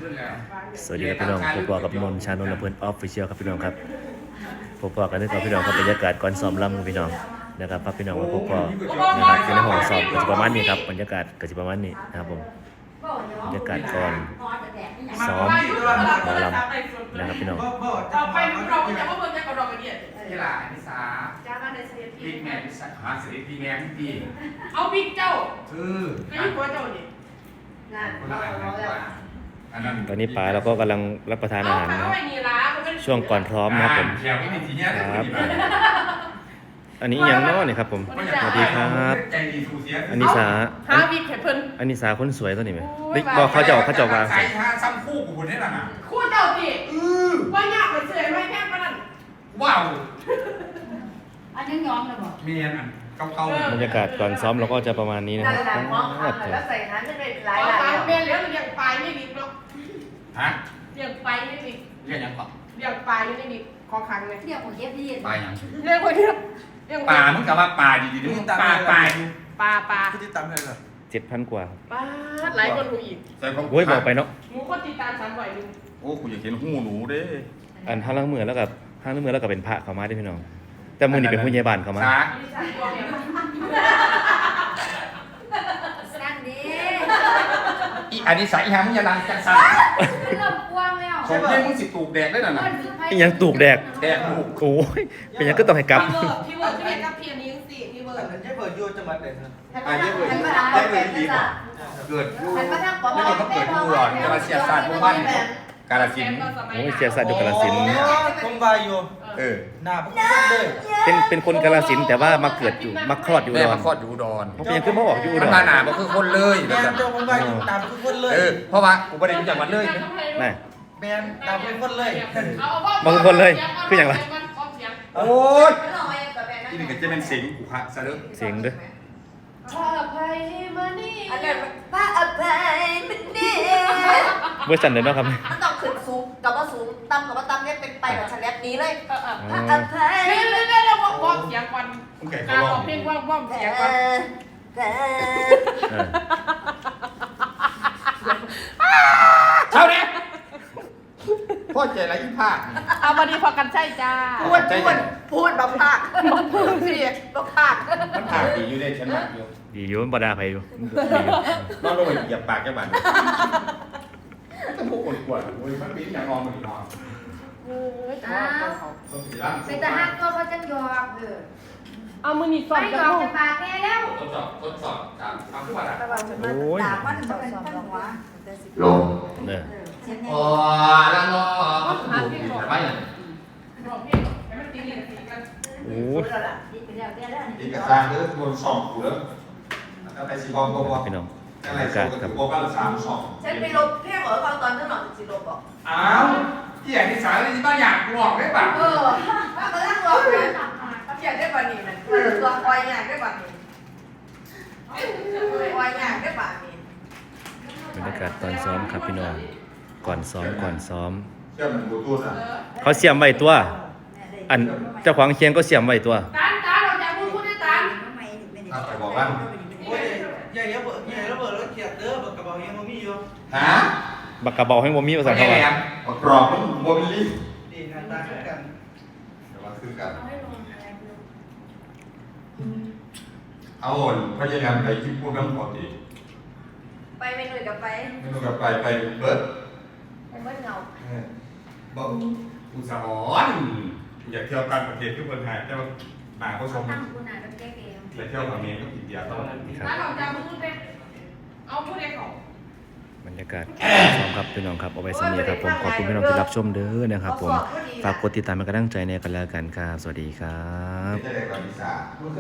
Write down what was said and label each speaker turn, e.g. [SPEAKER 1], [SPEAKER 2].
[SPEAKER 1] สวัสดีครับพี่น้องพบกับนนท์ชานนท์และเพื่อนออฟฟิเชียลครับพี่น้องครับพบกันด้วยกับพี่น้องครับบรรยากาศก่อนซ้อมรำพี่น้องนะครับพาพี่น้องมาพบกันนะครับอยู่ในห้องซ้อมก็จะประมาณนี้ครับบรรยากาศก็จะประมาณนี้นะครับผมบรรยากาศก่อนซ้อมหมอลำนะครับพี่น้อง
[SPEAKER 2] ต่อไปเราจะมาเบิ่งกันกับเรากันเนี่ย
[SPEAKER 3] ที่ละพิซา
[SPEAKER 2] จ้ามาในเสีย
[SPEAKER 3] พริกแม่พิซาหาเสร็จพริกแม่พี่
[SPEAKER 2] เอาพริกเจ้า
[SPEAKER 3] ก็
[SPEAKER 2] ไอ้หัวเจ้านี่
[SPEAKER 3] คนละอันนั้น
[SPEAKER 1] ตอนนี้ป๋าเราก็กำลังรับประทานอาหารนะครับช่วงก่อนพร้อมนะครับผม
[SPEAKER 3] แถวไม่มีทีเนี้ย
[SPEAKER 1] ครับอันนี้ยังน้อนี่ครับผมสวัสดีครับ
[SPEAKER 3] ใจดีทูเสีย
[SPEAKER 1] อันนี้สา
[SPEAKER 2] หาวิกเพิ่น
[SPEAKER 1] อันนี้สาคนสวยตัวนี้ไหมบอกเขาจะวาง
[SPEAKER 3] ใส่ฮาซ้ำคู่กูคนนี้น่ะ
[SPEAKER 2] คู่เจ้าติว่ายากไปเสื่อยไม่แค่ปานนั้น
[SPEAKER 3] ว้าว
[SPEAKER 4] อันนี้ย้อมเลยบอก
[SPEAKER 3] เมียนเก่า
[SPEAKER 1] บรรยากาศก่อนซ้อมเราก็จะประมาณนี้นะค
[SPEAKER 4] นั่
[SPEAKER 1] รั
[SPEAKER 4] น
[SPEAKER 1] บ
[SPEAKER 4] แหละมองอ่ะแล้วใส่นั้นจะเป็นหลาย
[SPEAKER 2] เอา
[SPEAKER 4] หลาย
[SPEAKER 2] ตามเบี้ยแล้วเลี้ยงปลายไม่วิกหรอก
[SPEAKER 3] ฮะ
[SPEAKER 2] เลี้ยงปลายไม่วิก
[SPEAKER 3] เรียกยังก่อน
[SPEAKER 2] เลี้ยงปลายไม่วิกขอคังเลย
[SPEAKER 4] เที่ยวของเย็บดี
[SPEAKER 3] ปลายัง
[SPEAKER 2] เลี้ยงคนเดียวเลี้ยง
[SPEAKER 3] ปลามึงกับว่าปลาดีๆมึงปลา
[SPEAKER 2] ปลา
[SPEAKER 5] ที่ตามให้เหรอ
[SPEAKER 1] 7,000 กว่า
[SPEAKER 2] ปลาหลายคนหูอีก
[SPEAKER 3] ใส่ของ
[SPEAKER 1] โอ้ยบอกไปเนาะ
[SPEAKER 2] หมูคนติดตาม300นึง
[SPEAKER 3] โอ้กูอยากเห็นหูหนูเด้
[SPEAKER 1] อันห้างล้างมือแล้วกับห้างล้างมือแล้วกับเป็นพระเขามาด้วยพี่น้องแต่มือนี่เป็นผู้ใหญ่บ้านเขามา
[SPEAKER 3] สา
[SPEAKER 2] อันนี้ใส่ตัวเนี่ย
[SPEAKER 4] นั่นดี
[SPEAKER 3] อีอันนี้ใส่อีหามึงอย่าดังจังซ่า
[SPEAKER 4] เริ่มกว้างแล้ว
[SPEAKER 3] ของเยี่ยมึงสิตูกแดกได้น่ะนะ
[SPEAKER 1] อีหยังตูกแดก
[SPEAKER 3] แดกลูก
[SPEAKER 1] โอ้ยเป็นหยังก็ต้องให้กลับ
[SPEAKER 2] พี่เวิร์ดพี่เวิร์ดกับพี่อันนี้สิพี่เวิร์
[SPEAKER 5] อั
[SPEAKER 2] ด
[SPEAKER 5] นนั้นจะเปิดยูจังหวัดไหนครับ
[SPEAKER 4] หันมาทาง
[SPEAKER 3] ได้เลยดีกว่าเกิดอยู่
[SPEAKER 4] หันมาทางปอ
[SPEAKER 3] ไม่ได้มาเกิดอยู่หรอกกาลเสียศาสตร์หมู่บ้านกาลสินธุ์
[SPEAKER 1] โอ้ยเสียสัตว์อยู่กาฬสินธุ์
[SPEAKER 5] ผมบายอยู่
[SPEAKER 3] เออ
[SPEAKER 5] หน้าพวกเลย
[SPEAKER 1] เป็นคนกาฬสินธุ์แต่ว่ามาเกิดอยู่มาคลอดอยู่อุ
[SPEAKER 3] แม่
[SPEAKER 1] ดร
[SPEAKER 3] มาคลอดอยู่อุดร
[SPEAKER 1] เขาเป็นหยังขึ้นมาออกอยู่อุด
[SPEAKER 3] มัน
[SPEAKER 1] ร
[SPEAKER 3] มาหนาบ่คือคนเลย
[SPEAKER 5] แมนเจ้าผมบายอยู่หน้าเป็นคนเลย
[SPEAKER 3] เออเพราะว่ากูไม่ได้อยู่จังหวัดเลย
[SPEAKER 1] น่ะ
[SPEAKER 5] แมนหน้าเป็นคนเลย
[SPEAKER 1] บางคนเลยคืออย่างไร
[SPEAKER 3] โอ้ย
[SPEAKER 4] ไม่ลองมาแบบนั้น
[SPEAKER 3] ที่นี่ก็จะเป็นสิงกูฮะซะเด้อ
[SPEAKER 1] เสียงด้วย
[SPEAKER 2] ถ้าไปมานี่
[SPEAKER 4] อันนั้นป้าอภัยมันนี่
[SPEAKER 1] เวอร์ชันเดิมเนาะครับ
[SPEAKER 4] มันต้องขึ้นสูงกับว่าสูงต่ำกับว่าต่ำเนี่ยเป็นไปแบบชันแลบนี้เลย
[SPEAKER 2] เออ
[SPEAKER 4] ป้าอภัย
[SPEAKER 2] เดี๋ยวเดี๋ยววอมเสียงก่อน
[SPEAKER 3] มึงแก่
[SPEAKER 2] การ
[SPEAKER 3] เขาล
[SPEAKER 2] ร้
[SPEAKER 3] อ
[SPEAKER 2] อง
[SPEAKER 3] ง
[SPEAKER 2] เพลงวอมเสียงก่อน
[SPEAKER 1] เออ
[SPEAKER 3] เท่านี้พ่อใจไรอีภาค
[SPEAKER 2] เอามาดีพอกันใช่จ้า
[SPEAKER 4] พูดแบบภาคพูดสิแบบภาค
[SPEAKER 3] มันภาคดีอยู่เลยฉันมากอยู่
[SPEAKER 1] ดีอยู่มันบดาไปอยู่ดีอยู่
[SPEAKER 3] นอนลงไปเหยียบปากแกบันจะพูดคนกวนโอ้ยมันเป็นอย่างงอมันนอน
[SPEAKER 4] เป็นทหารตัวเขาจังยอม
[SPEAKER 2] เอามือนี่สอ
[SPEAKER 4] ไม่
[SPEAKER 2] น
[SPEAKER 4] ย
[SPEAKER 2] กัน
[SPEAKER 4] อม
[SPEAKER 2] ลู
[SPEAKER 4] จะ
[SPEAKER 2] ก
[SPEAKER 4] ปากแกแล้ว
[SPEAKER 3] ทดสอบทำทุกวันอ่ะ
[SPEAKER 4] ด่ามันสอบลงวะ
[SPEAKER 3] ลง
[SPEAKER 1] เนี่ย
[SPEAKER 3] อ๋อแล้วก็ไม่อย่าง
[SPEAKER 2] ร้องเพลงให้มันตีกันตีกัน
[SPEAKER 1] โอ้ย
[SPEAKER 3] อีกกระซางเด้อโดนสองกูเด้อแล้วไปสีบอลบอล
[SPEAKER 1] พี่น้อง
[SPEAKER 3] อะไร
[SPEAKER 1] บรรยา
[SPEAKER 3] โซ่
[SPEAKER 1] กาศ
[SPEAKER 3] กั
[SPEAKER 1] ครับ
[SPEAKER 3] บโบกัน3-2
[SPEAKER 4] ฉันไปลบเพี้ยงเหรอฟังตอนนั้นหน่อยสิลบบอก
[SPEAKER 3] อ้าวที่อย่างที่สารที่บ้านอยากบอกได้ป่ะ
[SPEAKER 4] ถ้าเขาตั้งรอเลยเขาอยากได้บะหมี่นะตัวคอยอยากได้บะหมี่คอยอยากได้บะหมี่
[SPEAKER 1] บรรยากาศตอนซ้อมครับพี่น้องก่อนซ้อม
[SPEAKER 3] เชื่อมันบูทูธอ่ะ
[SPEAKER 1] เขาเสียมไว้ตัว อันเจ้าของเคียงก็เสียมไว้ตัว
[SPEAKER 2] ตาเราจะพูดได้ตา
[SPEAKER 3] ถ้าไปบอกว่า
[SPEAKER 5] โอ้ยใหญ่ระเบิดแล้วเขียดเด้อบักกระเป๋ายังไม่มีอยู่
[SPEAKER 3] ฮะ
[SPEAKER 1] บักกระเบาให้บ่มีภาษา
[SPEAKER 3] แค่
[SPEAKER 1] เขา
[SPEAKER 3] แหล
[SPEAKER 1] ว่า
[SPEAKER 3] มบักกรอบมันโมบิลี่
[SPEAKER 5] ดีงานตาขึ้นกัน
[SPEAKER 3] เดี๋ยวมาคือกันเอาพยายามไปคิดพูดเรื่องปกติ
[SPEAKER 4] ไปไปหน่อยกับไป
[SPEAKER 3] ไม่ต้องกลับไปเบิร์ด
[SPEAKER 4] ไปเมื่อเงา
[SPEAKER 3] บอกอุตสาหอนอยากเที่ยวต่างประเทศที่คนไทยแต่ว่าหนาก็ชม
[SPEAKER 4] ตั้งคุณอาจจะแก้เกม
[SPEAKER 3] ไปเที่ยวกับเมียก็ผิดเดียวต้อง
[SPEAKER 2] ตาเราจะพูดได้เอาพูดได้ของ
[SPEAKER 1] บรรยากาศซ้อมครับพี่น้องครับเอาไว้สำเนียครับผมขอบคุณพี่น้องที่รับชมเด้อนะครับผมฝากกดติดตามเป็นกำลังใจในกันแล้วกันครับสวัสดีครับ
[SPEAKER 3] ไม่ใช่เด็กกับวิสา